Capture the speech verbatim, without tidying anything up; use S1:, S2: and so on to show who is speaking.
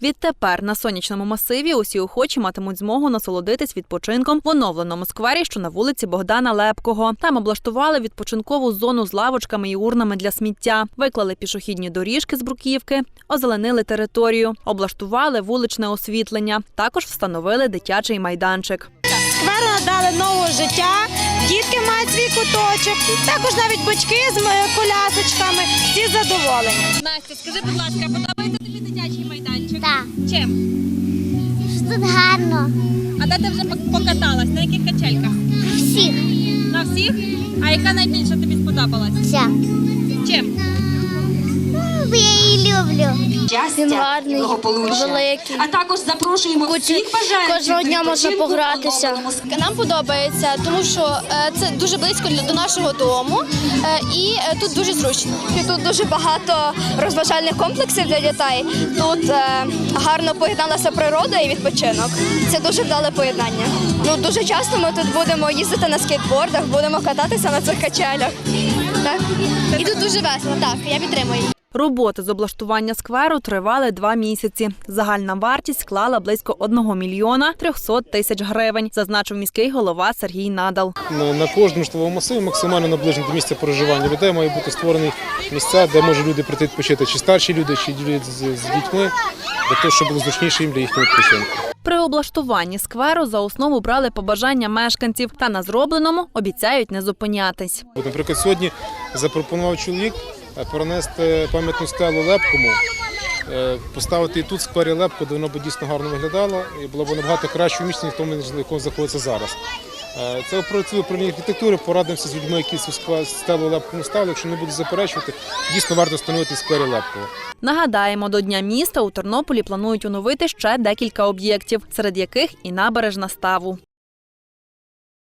S1: Відтепер на сонячному масиві усі охочі матимуть змогу насолодитись відпочинком в оновленому сквері, що на вулиці Богдана Лепкого. Там облаштували відпочинкову зону з лавочками і урнами для сміття, виклали пішохідні доріжки з бруківки, озеленили територію, облаштували вуличне освітлення, також встановили дитячий майданчик.
S2: Скверу надали нового життя, дітки мають свій куточок, також навіть батьки з колясочками, всі задоволені.
S3: Настя, скажи, будь ласка, подобається тобі дитячий майданчик?
S4: Так.
S3: Чим?
S4: Тут гарно.
S3: А де ти вже покаталась? На яких качельках?
S4: Всіх.
S3: На всіх? А яка найбільше тобі сподобалась?
S4: Вся.
S3: Чим?
S4: Бо я її люблю.
S5: Він гарний, великий.
S6: А також запрошуємо всіх бажаючих.
S5: Кожного дня можна погратися. Нам подобається, тому що це дуже близько до нашого дому і тут дуже зручно. Тут дуже багато розважальних комплексів для дітей. Тут гарно поєдналася природа і відпочинок. Це дуже вдале поєднання. Ну, дуже часто ми тут будемо їздити на скейтбордах, будемо кататися на цих качелях. Так? І тут дуже весело. Так, я підтримую.
S1: Роботи з облаштування скверу тривали два місяці. Загальна вартість склала близько одного мільйона трьохсот тисяч гривень, зазначив міський голова Сергій Надал.
S7: На кожному житловому масиві максимально наближено до місця проживання людей має бути створений місця, де можуть люди прийти відпочити, чи старші люди, чи люди з дітьми, для того, щоб було зручніше їм для їхнього відпочинку.
S1: При облаштуванні скверу за основу брали побажання мешканців та на зробленому обіцяють не зупинятись.
S7: Наприклад, сьогодні запропонував чоловік перенести пам'ятну стелу Лепкому, поставити і тут в сквері Лепко, де воно б дійсно гарно виглядало і було б набагато краще в місці, ніж в тому, в якому знаходиться зараз. Це працює управління архітектури, порадимося з людьми, які цю стелу Лепкому ставили. Якщо не будуть заперечувати, дійсно варто встановити в сквері Лепкого.
S1: Нагадаємо, до Дня міста у Тернополі планують оновити ще декілька об'єктів, серед яких і набережна Ставу.